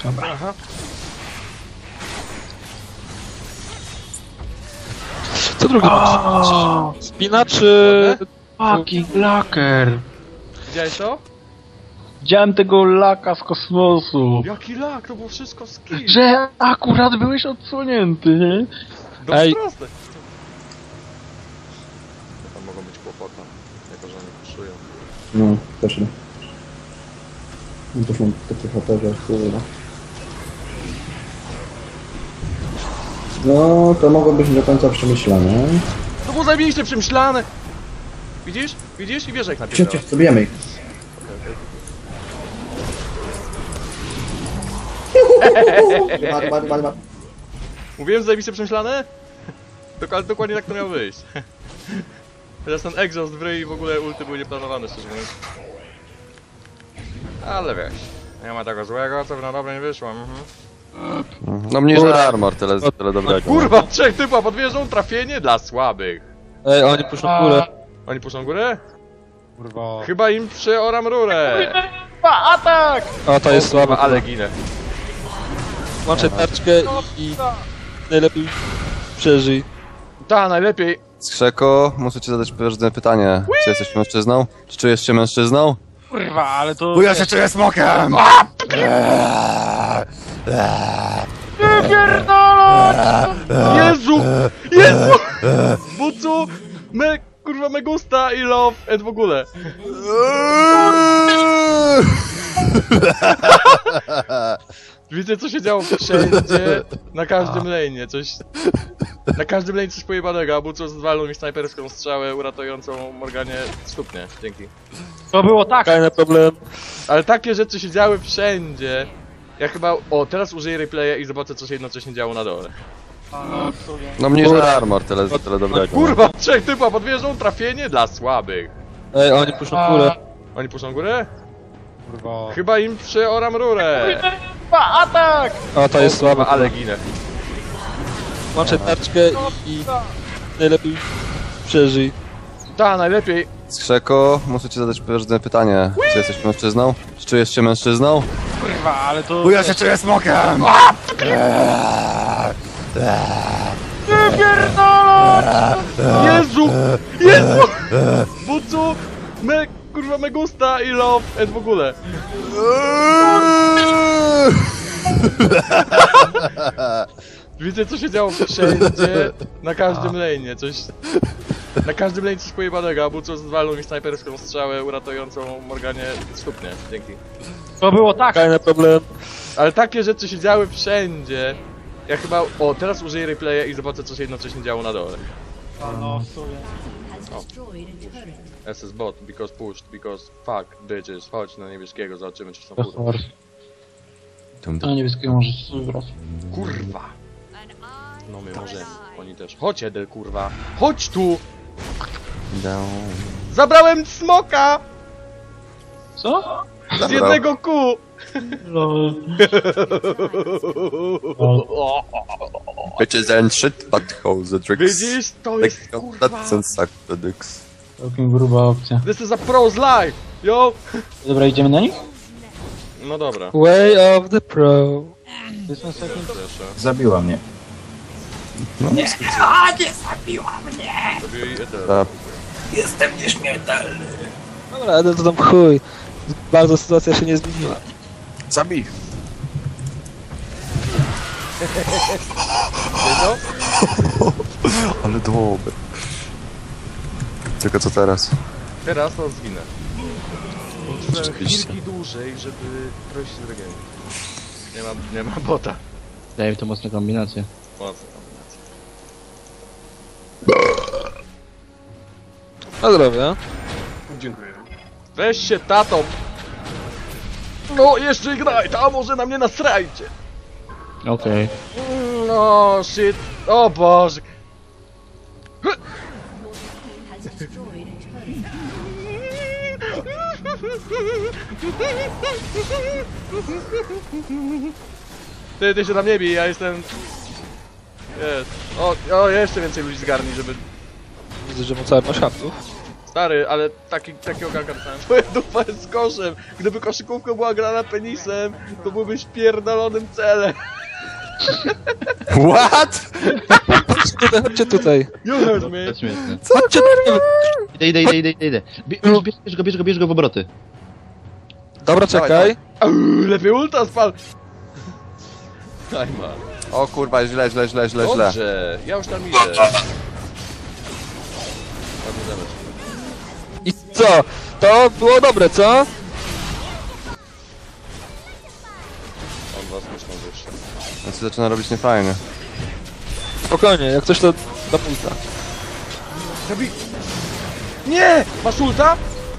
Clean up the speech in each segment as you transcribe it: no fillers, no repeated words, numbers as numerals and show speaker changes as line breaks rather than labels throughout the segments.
Dobra.
Aha.
Co drugi spina czy...
Fucking laker!
Widziałeś to?
Widziałem tego laka z kosmosu.
Jaki lak, to było wszystko skill.
Że akurat byłeś odsłonięty, nie?
Dość
Ej.
proste. Tam mogą być kłopoty, jako że oni puszują.
No, też nie. No też mam takie HP, że kurwa. No, to mogło być nie do końca przemyślane.
To było zajebiście przemyślane. Widzisz? Widzisz? I wiesz jak napisałem.
Cię, zabijemy ich. Bar.
Mówiłem, że zajebiście przemyślane? Dokładnie tak to miało wyjść. Teraz ten exhaust w ryj i w ogóle ulty były nieplanowane, szczerze mówiąc. Ale wiesz, nie ma tego złego, co by na dobre nie wyszło.
No mniejszy armor, tyle dobrego.
Kurwa, trzech typa pod wieżą, trafienie dla słabych.
Ej, oni puszczą górę.
Oni puszczą górę?
Kurwa.
Chyba im przeoram rurę.
Atak!
O, to jest słabe.
Ale ginę.
Włączaj tarczkę i najlepiej przeżyj.
Ta, najlepiej.
Skrzeko, muszę ci zadać pewne pytanie. Czy jesteś mężczyzną? Czy czujesz się mężczyzną?
Kurwa, ale to...
Bo ja się czuję smokiem!
Jezu! Jezu! Bucu! Kurwa, me gusta i love and w ogóle. Widzę, co się działo wszędzie, na każdym lane'ie, coś... Na każdym lane coś pojebanego, a Bucu zwalnął mi snajperską strzałę uratującą Morganie stopnie. Dzięki.
To było tak!
Fajny problem.
Ale takie rzeczy się działy wszędzie. Ja chyba... O, teraz użyję replaya i zobaczę, co się jednocześnie działo na dole.
No mniejszy armor, tyle dobrego.
Kurwa, trzech typa pod wieżą, trafienie dla słabych.
Ej, oni puszczą górę.
Oni puszczą górę?
Kurwa.
Chyba im przeoram rurę.
Atak!
O, to jest słabe.
Ale ginę.
Włączaj tarczkę i najlepiej przeżyj.
Ta, najlepiej.
Skrzeko, muszę ci zadać pewne pytanie. Czy jesteś mężczyzną? Czy czujesz się mężczyzną?
Kurwa, ale to...
Bo ja się czuję smokiem!
Jezu! Jezu! Bucu! Kurwa, me gusta i love and w ogóle. Widzę, co się działo wszędzie, na każdym lane'ie, coś... Na każdym lane coś pojebanego, a Bucu zwalnął mi snajperską strzałę uratującą Morganie stopnie. Dzięki.
To było tak!
Fajny problem.
Ale takie rzeczy się działy wszędzie. Ja chyba... O, teraz użyję replaya i zobaczę, co się jednocześnie działo na dole.
No, w sumie.
SS bot, because pushed, because fuck, bitches. Chodź na niebieskiego, zobaczymy, czy są kurwa.
Na niebieskiego możesz wybrać.
Kurwa! No my możemy, oni też. Chodź Edel, kurwa! Chodź tu! Zabrałem smoka!
Co?
Z jednego kół!
Lol.
Bitches and shit, buttholes, the tricks.
Widzisz? To jest kurwa!
That's and suck the dicks.
Całkiem gruba opcja.
This is a pro's life! Yo!
Dobra, idziemy na nich?
No dobra.
Way of the pro.
Jestem second.
Proszę.
Zabiła mnie.
Zrobię i Edel.
Tak.
Dobra, ale to tam chuj. Bardzo sytuacja się nie zmieniła.
Zabij!
Co?
Ale dobry. Tylko co teraz?
Teraz to zginę. Użyłem
Rzeczywiście.
chwilki dłużej, żeby prosić z regionu. Nie ma bota.
Daj to mocne kombinacje.
Mocna kombinacja.
Na zdrowie.
Dziękuję. Weź się, tato! No, jeszcze Ignite, a może na mnie nasrajcie!
Okej.
No, shit. O Boże. Ty się tam nie bij, ja jestem... Jest. O, jeszcze więcej ludzi zgarni, żeby...
Widzę, że mu całe masz haptów.
Stary, ale takiego ganka dostałem. Twoja dupa jest koszem. Gdyby koszykówką była grana penisem, to byłbyś pierdolonym celem.
What?
Chodźcie tutaj.
You heard me.
To śmieszne.
Chodźcie tutaj.
Idę. Bierz go w obroty.
Dobra, czekaj.
Lepiej ulta spal. Aj ma.
O kurwa, źle.
Dobrze, ja już tam idę. Ładny damage.
I co? To było dobre, co?
On was myślą wyższe.
To się zaczyna robić niefajnie.
Spokojnie, jak coś to do pulta.
Zabij! Nie! Masz ulta?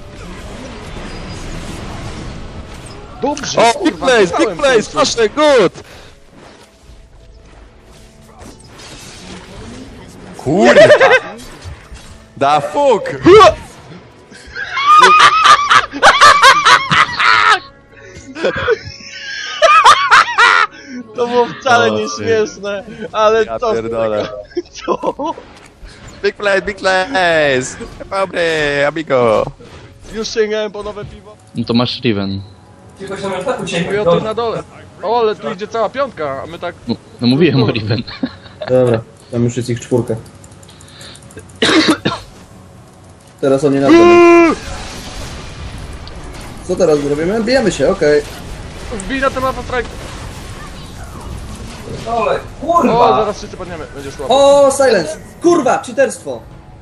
Dobrze,
O,
kurwa,
big place,
dostałem
big place,
końcu.
proszę, good!
Kurwa! Da fuck!
To było wcale
O,
nie
ty.
śmieszne, ale
Ja
co z
pierdolę.
tego? Co?
Big place! Dobry, amigo!
Już sięgałem po nowe piwo.
No to masz Riven.
Mówię o tym na dole. O, ale tu idzie cała piątka, a my tak...
No mówiłem o Riven.
Dobra, tam już jest ich 4. Teraz oni na dole. Co teraz zrobimy? Bijemy się, okej.
Wbij na temat strike.
Dole,
O,
kurwa!
zaraz wszyscy padniemy, będzie szło.
O, silence! Kurwa, cheaterstwo!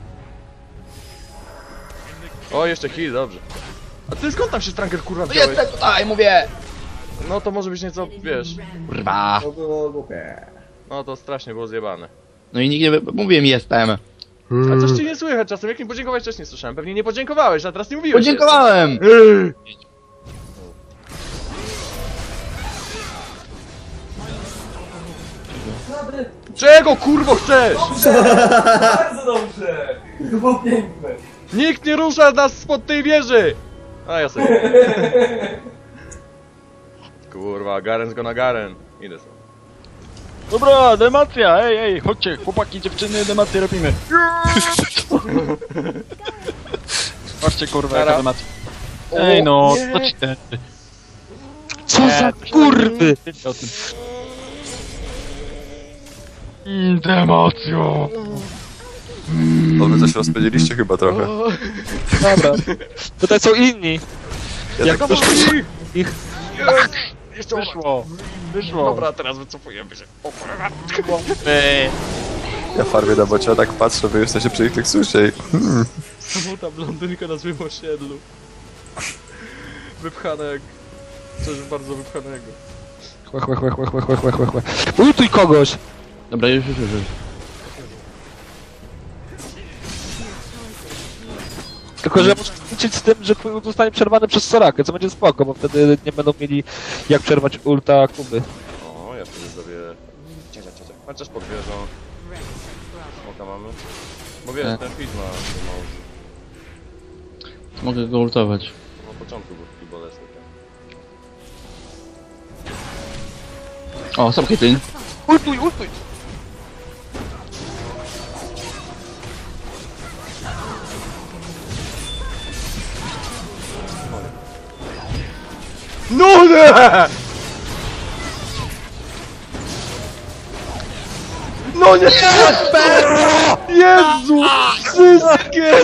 O, jeszcze heal, dobrze. A ty skąd tam się Stranger kurwa wziąłeś?
tutaj, mówię!
No to może być nieco, wiesz...
Kurwa.
To było głupie.
No to strasznie było zjebane.
No i nikt nie... Mówiłem, jestem.
A coś ci nie słychać czasem, jak mi podziękowałeś wcześniej słyszałem. Pewnie nie podziękowałeś, a teraz nie mówiłeś.
Podziękowałem!
Czego kurwo chcesz?
Bardzo dobrze! To było piękne!
Nikt nie rusza nas spod tej wieży! A ja sobie. Kurwa, Garen go na Garen. Idę sobie.
Dobra, demacja, ej, chodźcie, chłopaki, dziewczyny, demację robimy. Patrzcie, kurwa, jaka
Nara.
demacja. Ej no,
nie.
to ci ten...
Co za kurwy!
O tym. Demacjo!
No wy coś rozpędziliście chyba trochę.
Dobra. Tutaj są inni.
Ja
Jak
tak,
to ich...
Jeszcze
Wyszło.
Dobra, teraz wycofujemy się. O kurwa.
ja farmię na bocie, a tak patrzę, wy jesteście przy ich tekstusie i...
Znowu ta blondynka na złym osiedlu. Wypchana jak... Coś bardzo wypchanego.
Łe. Ultuj kogoś!
Dobra, już.
Tylko, że muszę liczyć z tym, że twój ult zostanie przerwany przez Sorakę, co będzie spoko, bo wtedy nie będą mieli jak przerwać ulta Kuby.
O, ja wtedy zrobię... Cia. Chociaż pod wieżą. Smoka mamy. Bo wiesz,
Tak.
ten feed ma...
Mogę go ultować.
Na początku był taki bolesny.
O, sam Caitlyn.
Ultuj!
No nie! No nie! Jezu! Wszystkie!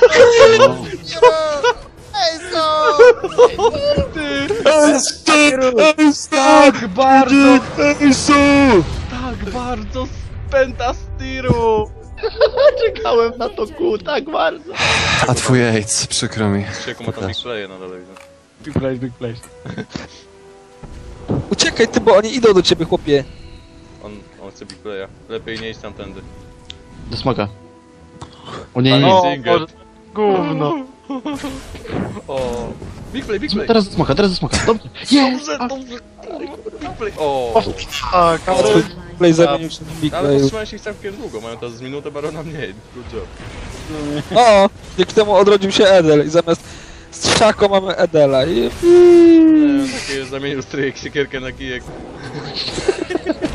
Tak bardzo! Tak bardzo spęta z tiru!
Czekałem na to tak bardzo.
A twój AIDS, przykro mi.
Sieku ma tam big playe na dole, widzę.
Big place.
Uciekaj ty, bo oni idą do ciebie, chłopie.
On chce big playa. Lepiej nie iść tamtędy.
Do smoka. O nie,
Panie
nie.
Singer.
Gówno.
O. Big play, big play.
Teraz do smoka. Dobrze.
Dobrze. Big play. O.
Tak,
A twój play zamienił się w big
Ale
play.
powstrzymałem się ich całkiem długo, mają teraz z minutę barona mniej. Good job.
O! Dzięki temu odrodził się Edel i zamiast strzako mamy Edela i...
Takie zamienił stryjek, siekierkę na kijek.